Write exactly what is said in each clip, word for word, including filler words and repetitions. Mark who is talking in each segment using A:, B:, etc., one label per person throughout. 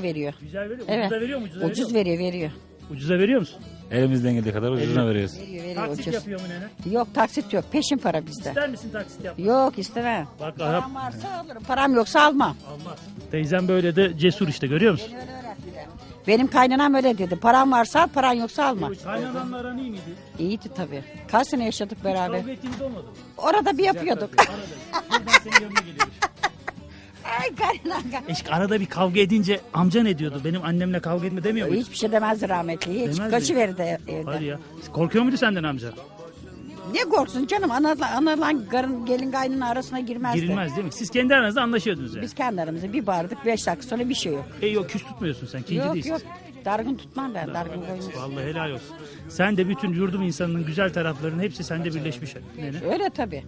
A: veriyor.
B: Güzel veriyor.
A: Evet.
B: Ucuza veriyor mu? Ucuza veriyor
A: Ucuz
B: mu?
A: veriyor, veriyor.
B: Ucuza veriyor musun?
C: Elimizden geldiği kadar ucuzuna veriyoruz.
A: Veriyor, veriyor
B: Taksit
A: ucuz.
B: yapıyor mu nene?
A: Yok taksit yok, peşin para bizde.
B: İster misin taksit yapmak?
A: Yok istemem.
B: Bak Arap
A: Param varsa alırım, param yoksa almam.
B: almaz. Teyzem böyle de cesur işte, görüyor musun?
A: Benim kaynanam öyle dedi. Param varsa al, paran yoksa alma.
B: Kaynananla aran iyi miydi?
A: İyiydi tabii. Kaç sene yaşadık beraber.
B: Kavga ettiğiniz olmadı mı?
A: Orada bir yapıyorduk.
B: Arada. Buradan senin yanına geliyormuş.
A: Ay kaynanam.
B: Eşk arada bir kavga edince amca ne diyordu? Benim annemle kavga etme demiyor muydu?
A: Hiçbir şey demezdi rahmetli. Hiç.
B: Demez mi?
A: Kaçıverirdi evden.
B: Hadi ya. Korkuyor muydu senden amca?
A: Ne korksun canım? Analan, analan karın, gelin kaynının arasına girmezdi.
B: Girilmez değil mi? Siz kendi aranızda anlaşıyordunuz yani.
A: Biz kendi aramızda bir bardık, beş dakika sonra bir şey yok.
B: E yok, küs tutmuyorsun sen. Kinci
A: Yok
B: değilsin.
A: yok. Dargın tutmam ben. Dargın koymam.
B: Vallahi helal olsun. Sen de bütün yurdum insanının güzel taraflarının hepsi sende birleşmiş. Nene.
A: Öyle tabii.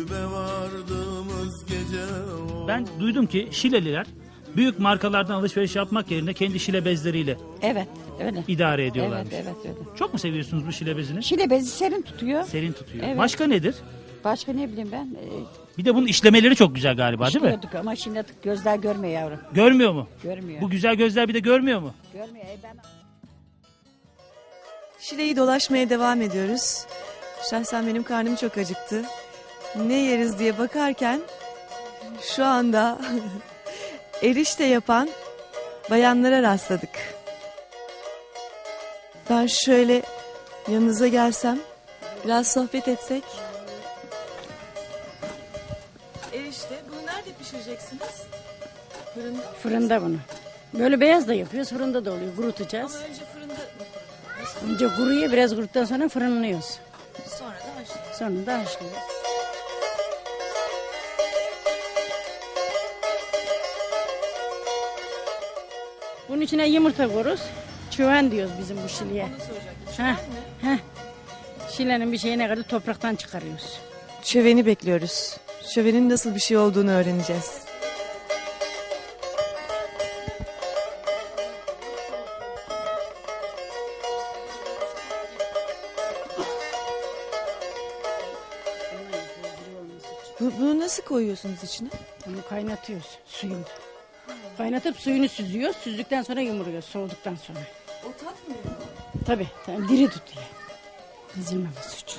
B: Ben duydum ki Şileliler büyük markalardan alışveriş yapmak yerine kendi şile bezleriyle
A: Evet öyle.
B: idare
A: Evet
B: ediyorlarmış.
A: evet öyle.
B: Çok mu seviyorsunuz bu şile bezini?
A: Şile bezi serin tutuyor.
B: Serin tutuyor.
A: Evet.
B: Başka nedir?
A: Başka ne bileyim ben. E,
B: Bir de bunun işlemeleri çok güzel galiba, değil mi?
A: işliyorduk ama şimdi artık gözler görmüyor yavrum.
B: Görmüyor mu?
A: Görmüyor.
B: Bu güzel gözler bir de görmüyor mu?
A: Görmüyor. E, ben...
D: Şile'yi dolaşmaya devam ediyoruz. Şahsen benim karnım çok acıktı. Ne yeriz diye bakarken şu anda erişte yapan bayanlara rastladık. Ben şöyle yanınıza gelsem, biraz sohbet etsek. Erişte, bunu nerede pişireceksiniz? Fırında?
E: Fırında bunu. Böyle beyaz da yapıyoruz, fırında da oluyor. Kurutacağız.
D: Ama önce fırında,
E: Önce kuruyor, biraz kuruttuktan sonra fırınlıyoruz.
D: sonra da haşlıyoruz.
E: Sonra da haşlıyoruz. Bunun içine yumurta koyuyoruz. Çöven diyoruz bizim bu şileye. Heh, heh. Şilenin bir şeyine kadar topraktan çıkarıyoruz.
D: Şöveni bekliyoruz. Şövenin nasıl bir şey olduğunu öğreneceğiz. Bu- Bunu nasıl koyuyorsunuz içine?
E: Bunu kaynatıyoruz suyunu. Kaynatıp suyunu süzüyoruz. Süzdükten sonra yumuruyoruz soğuduktan sonra.
D: O tatmıyor.
E: Tabii, tabii diri tutuyor. Ezilmemesi için.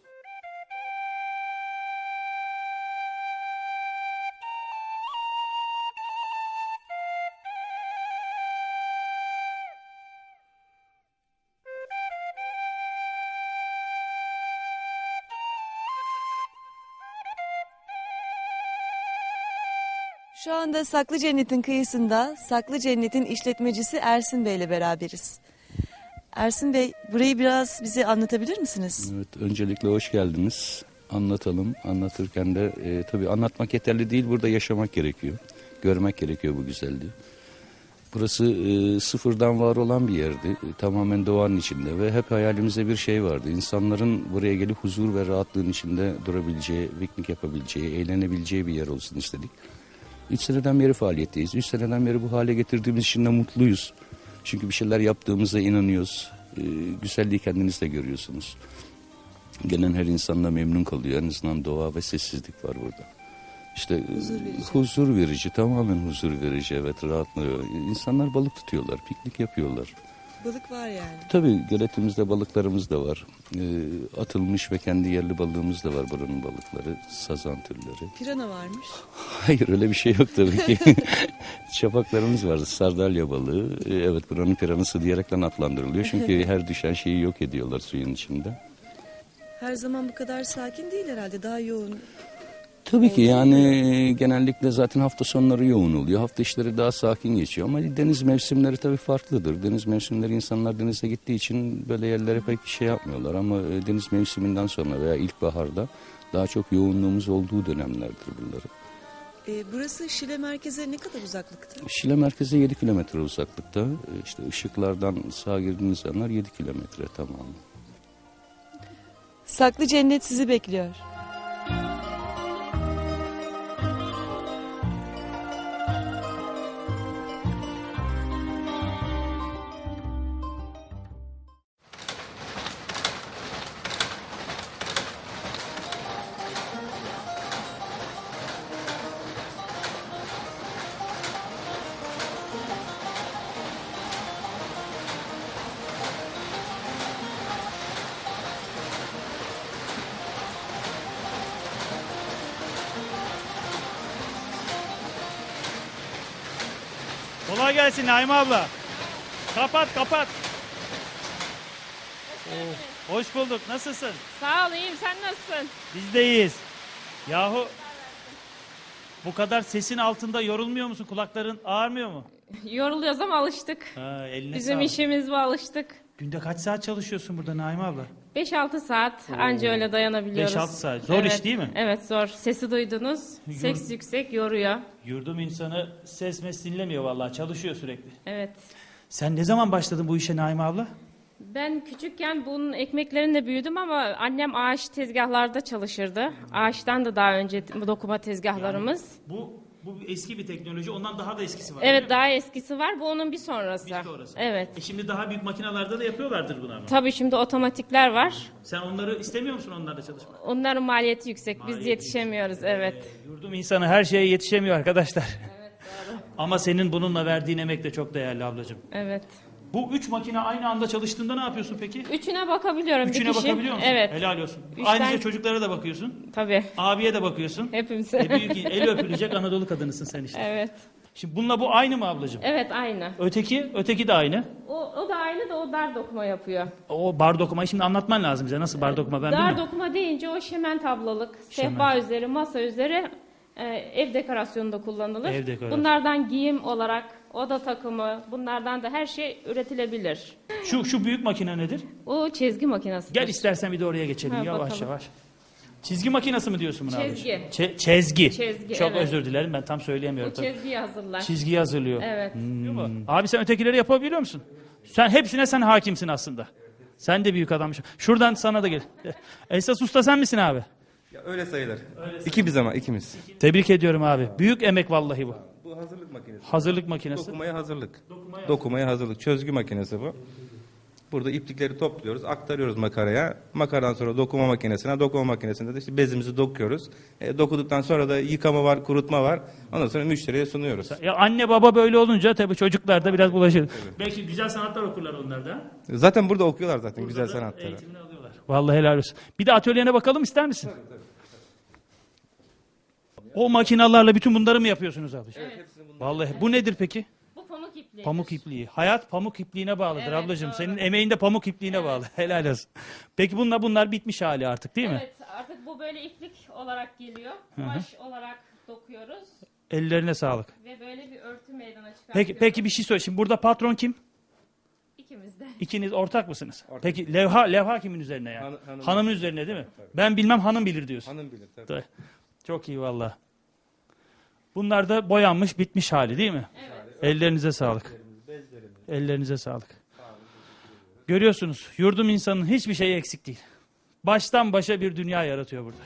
D: Şu anda Saklı Cennet'in kıyısında Saklı Cennet'in işletmecisi Ersin Bey ile beraberiz. Ersin Bey, burayı biraz bize anlatabilir misiniz?
F: Evet, öncelikle hoş geldiniz. Anlatalım. Anlatırken de e, tabii anlatmak yeterli değil, burada yaşamak gerekiyor. Görmek gerekiyor bu güzelliği. Burası e, sıfırdan var olan bir yerdi. E, tamamen doğanın içinde ve hep hayalimizde bir şey vardı. İnsanların buraya gelip huzur ve rahatlığın içinde durabileceği, piknik yapabileceği, eğlenebileceği bir yer olsun istedik. Üç seneden beri faaliyetteyiz. Üç seneden beri bu hale getirdiğimiz için de mutluyuz. Çünkü bir şeyler yaptığımıza inanıyoruz. Ee, güzelliği kendiniz de görüyorsunuz. Gelen her insan da memnun kalıyor. En azından doğa ve sessizlik var burada. İşte huzur verici, huzur verici tamamen huzur verici. Evet, rahatlıyor. İnsanlar balık tutuyorlar, piknik yapıyorlar.
D: Balık var yani.
F: Tabii göletimizde balıklarımız da var. Ee, atılmış ve kendi yerli balığımız da var, buranın balıkları. Sazan türleri.
D: Pirana varmış.
F: Hayır, öyle bir şey yok tabii ki. Çapaklarımız var, sardalya balığı. Ee, evet, buranın piranası diyerekten adlandırılıyor. Çünkü her düşen şeyi yok ediyorlar suyun içinde.
D: Her zaman bu kadar sakin değil herhalde, daha yoğun.
F: Tabii ki yani genellikle zaten hafta sonları yoğun oluyor. Hafta içleri daha sakin geçiyor ama deniz mevsimleri tabii farklıdır. Deniz mevsimleri insanlar denize gittiği için böyle yerlere pek şey yapmıyorlar ama deniz mevsiminden sonra veya ilkbaharda daha çok yoğunluğumuz olduğu dönemlerdir bunları.
D: Ee, burası Şile merkeze ne kadar uzaklıkta?
F: Şile merkeze yedi kilometre uzaklıkta. İşte ışıklardan sağa girdiğiniz yanlar yedi kilometre tamamı.
D: Saklı Cennet sizi bekliyor.
B: Kolay gelsin Naime abla. Kapat kapat. Oo, hoş bulduk. Nasılsın?
G: Sağ ol, iyiyim. Sen nasılsın?
B: Biz de iyiyiz. Yahu bu kadar sesin altında yorulmuyor musun? Kulakların ağrımıyor mu?
G: Yoruluyoruz ama alıştık.
B: Ha, eline
G: Bizim
B: sağlık.
G: işimiz bu, alıştık.
B: Günde kaç saat çalışıyorsun burada Naime abla?
G: beş altı saat anca öyle dayanabiliyoruz.
B: beş altı saat. Zor
G: Evet,
B: iş değil mi?
G: Evet, zor. Sesi duydunuz. Ses yüksek, yoruyor.
B: Yurdum insanı ses mes dinlemiyor vallahi. Çalışıyor sürekli.
G: Evet.
B: Sen ne zaman başladın bu işe Naime abla?
G: Ben küçükken bunun ekmeklerinde büyüdüm ama annem ağaç tezgahlarda çalışırdı. Ağaçtan da daha önce bu dokuma tezgahlarımız.
B: Bu bu eski bir teknoloji. Ondan daha da eskisi var.
G: Evet, daha eskisi var. Bu onun bir sonrası.
B: Bir sonrası.
G: Evet.
B: E şimdi daha büyük makinalarda da yapıyorlardır bunu ama.
G: Tabii şimdi otomatikler var.
B: Sen onları istemiyor musun onlarla çalışmak?
G: Onların maliyeti yüksek. Biz
B: Maliyeti
G: yetişemiyoruz. Evet.
B: Yurdum insanı her şeye yetişemiyor arkadaşlar. Ama senin bununla verdiğin emek de çok değerli ablacığım.
G: Evet.
B: Bu üç makine aynı anda çalıştığında ne yapıyorsun peki?
G: Üçüne bakabiliyorum
B: Üçüne
G: bir kişi.
B: bakabiliyor musun?
G: Evet.
B: Helal olsun.
G: Üçten-
B: Ayrıca çocuklara da bakıyorsun.
G: Tabii.
B: Abiye de bakıyorsun.
G: Hepimize.
B: E büyük el öpülecek Anadolu kadınısın sen işte.
G: Evet.
B: Şimdi bununla bu aynı mı ablacığım?
G: Evet, aynı.
B: Öteki, öteki de aynı.
G: O, o da aynı da o dar dokuma yapıyor.
B: O bar dokumayı şimdi anlatman lazım bize. Nasıl bar dokuma ben
G: Dar
B: bilmiyorum.
G: dokuma deyince o şemen tablalık,
B: Şemen.
G: sehpa üzeri, masa üzeri e, ev dekorasyonunda kullanılır.
B: Ev dekorasyonu.
G: Bunlardan giyim olarak, oda takımı, bunlardan da her şey üretilebilir.
B: Şu şu büyük makine nedir?
G: O çizgi makinesi.
B: Gel istersen bir de oraya geçelim
G: Ha,
B: yavaş
G: bakalım.
B: yavaş. Çizgi makinesi mi diyorsun buna
G: Çizgi.
B: ablacığım? Çe- çezgi.
G: Çizgi,
B: Çok
G: evet.
B: özür dilerim ben tam söyleyemiyorum.
G: Bu
B: tabii.
G: çizgiyi hazırlar.
B: Çizgiyi hazırlıyor.
G: Evet.
B: Hmm. Abi sen ötekileri yapabiliyor musun? Sen hepsine sen hakimsin aslında. Sen de büyük adammışsın. Şuradan sana da gel. Esas usta sen misin abi?
H: Ya öyle sayılır. İkimiz ama ikimiz.
B: Tebrik ediyorum abi. Büyük emek vallahi bu.
H: Bu hazırlık makinesi.
B: Hazırlık makinesi.
H: Dokumaya hazırlık. Dokumaya hazırlık. Çözgü makinesi bu. Burada iplikleri topluyoruz, aktarıyoruz makaraya. Makaradan sonra dokuma makinesine, dokuma makinesinde de işte bezimizi dokuyoruz. E, dokuduktan sonra da yıkama var, kurutma var. Ondan sonra müşteriye sunuyoruz.
B: Ya anne baba böyle olunca tabii çocuklar da biraz bulaşır. Belki güzel sanatlar okurlar onlar da.
H: Zaten burada okuyorlar zaten güzel sanatları.
B: Eğitimini alıyorlar. Vallahi helal olsun. Bir de atölyene bakalım ister misin? O makinalarla bütün bunları mı yapıyorsunuz abi? Evet. Vallahi bu nedir peki?
G: Bu pamuk ipliği.
B: Pamuk ipliği. Hayat pamuk ipliğine bağlıdır
G: Evet,
B: ablacığım.
G: doğru.
B: Senin emeğin de pamuk ipliğine bağlı. Helal olsun. Peki bunlar bunlar bitmiş hali artık değil mi?
G: Evet, artık bu böyle iplik olarak geliyor. Kumaş olarak dokuyoruz
B: Ellerine sağlık.
G: ve böyle bir örtü meydana çıkartıyoruz.
B: Peki peki bir şey söyle. Şimdi burada patron kim?
G: İkimiz de.
B: İkiniz ortak mısınız? Peki levha levha kimin üzerine yani?
H: Han- hanım-
B: Hanımın üzerine değil mi? Ben bilmem hanım bilir diyorsun.
H: Hanım bilir tabii.
B: Tabii. Çok iyi valla. Bunlar da boyanmış bitmiş hali değil mi? Evet. Ellerinize sağlık. Ellerinize sağlık. Görüyorsunuz yurdum insanın hiçbir şeyi eksik değil. Baştan başa bir dünya yaratıyor burada.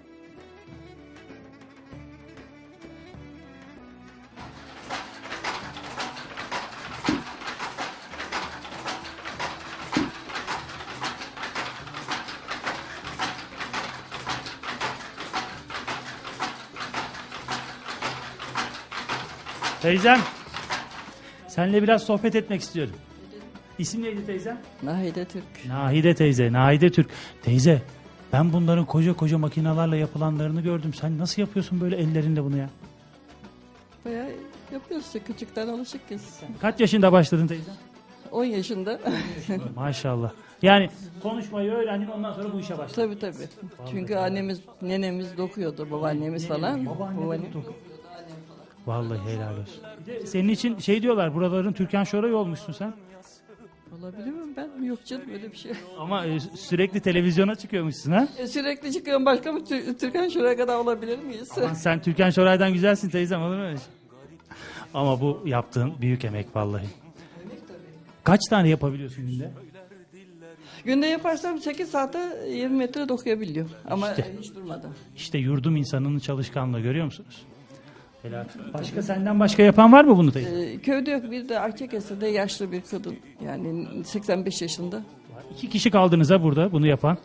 B: Teyzem, seninle biraz sohbet etmek istiyorum. İsim neydi teyzem?
A: Nahide Türk.
B: Nahide teyze, Nahide Türk. Teyze, ben bunların koca koca makinalarla yapılanlarını gördüm. Sen nasıl yapıyorsun böyle ellerinle bunu ya?
I: Bayağı yapıyoruz işte, küçükten alışıkız.
B: Kaç yaşında başladın teyze?
I: on yaşında.
B: Maşallah. Yani konuşmayı öğrendin ondan sonra bu işe başladın.
I: Tabii tabii. Çünkü annemiz, nenemiz dokuyordu, babaannemiz falan.
B: Babaanne de
I: Babaannem-
B: doktor. Vallahi helal olsun. Bir de senin için şey diyorlar, buraların Türkan Şoray'ı olmuşsun sen.
I: Olabilir mi ben? Yok canım öyle bir şey.
B: Ama e, sürekli televizyona çıkıyormuşsun ha?
I: E, sürekli çıkıyorum, başka mı Tür- Türkan şuraya kadar olabilir miyiz?
B: Aman sen Türkan Şoray'dan güzelsin teyzem, olur mu öyle şey? Ama bu yaptığın büyük emek vallahi. Kaç tane yapabiliyorsun günde?
I: Günde yaparsam sekiz saate yirmi metre dokuyabiliyor. Ama
B: İşte.
I: e, hiç durmadan.
B: İşte yurdum insanının çalışkanlığı, görüyor musunuz? Helal. Başka senden başka yapan var mı bunu teyze?
I: E, köyde yok, bir de Akçakese'de yaşlı bir kadın. Yani seksen beş yaşında.
B: İki kişi kaldınız ha burada bunu yapan.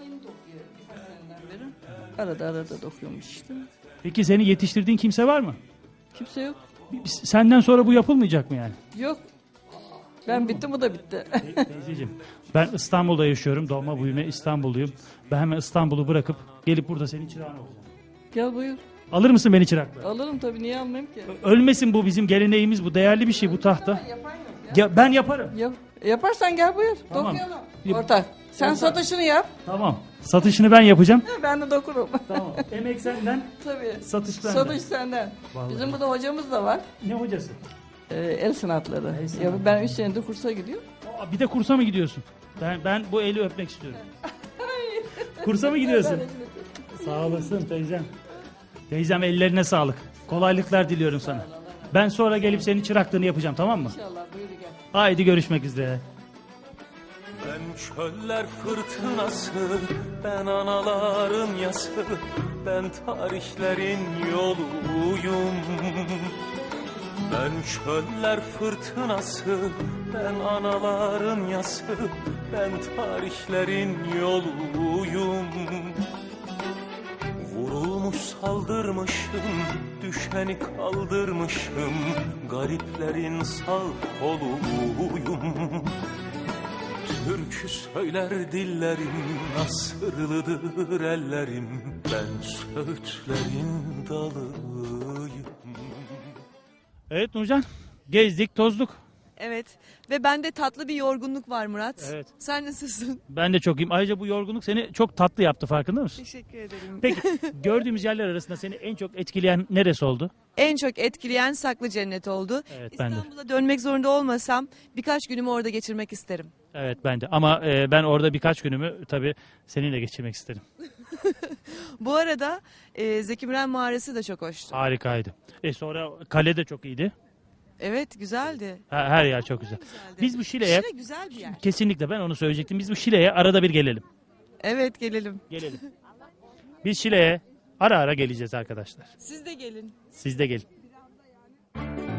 I: Arada arada dokuyormuş işte.
B: Peki seni yetiştirdiğin kimse var mı?
I: Kimse yok.
B: Senden sonra bu yapılmayacak mı yani?
I: Yok. Ben bittim, bu da bitti.
B: Teyzeciğim, ben İstanbul'da yaşıyorum. Doğma büyüme İstanbulluyum. Ben hemen İstanbul'u bırakıp gelip burada senin çırağın olacağım.
I: Gel buyur.
B: Alır mısın beni çırakla?
I: Alırım tabii, niye almayayım ki?
B: Ölmesin, bu bizim geleneğimiz, bu değerli bir şey bu tahta. Ya, ben yaparım.
I: Yap, yaparsan gel buyur.
B: Tamam.
I: Dokuyalım.
B: Yap-
I: Ortak. Sen
B: Ortak.
I: satışını yap.
B: Tamam. Satışını ben yapacağım.
I: Ben de dokurum.
B: Tamam. Emek senden,
I: Tabii.
B: satış benden.
I: Satış senden.
B: Vallahi.
I: Bizim burada hocamız da var.
B: Ne hocası?
I: Ee, el sanatları.
B: El sanatları.
I: Ya ben üç senedir kursa gidiyorum.
B: Aa, bir de kursa mı gidiyorsun? Ben ben bu eli öpmek istiyorum. Kursa mı gidiyorsun? Sağ olasın teyzem. Teyzem, ellerine sağlık. Kolaylıklar diliyorum sana. Ben sonra gelip senin çıraklığını yapacağım, tamam mı?
I: İnşallah, buyur gel.
B: Haydi görüşmek üzere.
J: Ben çöller fırtınası, ben anaların yası, ben tarihlerin yoluyum. Ben çöller fırtınası, ben anaların yası, ben tarihlerin yoluyum. Vurulmuş saldırmışım, düşeni kaldırmışım, gariplerin sağ koluyum. Türkü söyler dillerim, nasırlıdır ellerim, ben söğütlerin dalıyım.
B: Evet Nurcan, gezdik, tozduk.
D: Evet ve bende tatlı bir yorgunluk var Murat.
B: Evet.
D: Sen nasılsın?
B: Ben de çok iyiyim. Ayrıca bu yorgunluk seni çok tatlı yaptı, farkında mısın?
D: Teşekkür ederim.
B: Peki gördüğümüz yerler arasında seni en çok etkileyen neresi oldu?
D: En çok etkileyen Saklı Cennet oldu.
B: Evet, ben de.
D: İstanbul'a dönmek zorunda olmasam birkaç günümü orada geçirmek isterim.
B: Evet, ben de. Ama e, ben orada birkaç günümü tabii seninle geçirmek isterim.
D: Bu arada e, Zeki Müren mağarası da çok hoştu.
B: Harikaydı. E sonra kale de çok iyiydi.
D: Evet, güzeldi.
B: Her, her yer çok güzel.
D: Güzeldi.
B: Biz bu Şile'ye,
D: Şile güzel bir yer.
B: kesinlikle ben onu söyleyecektim. Biz bu Şile'ye arada bir gelelim.
D: Evet, gelelim.
B: Gelelim. Biz Şile'ye ara ara geleceğiz arkadaşlar.
D: Siz de gelin.
B: Siz de gelin.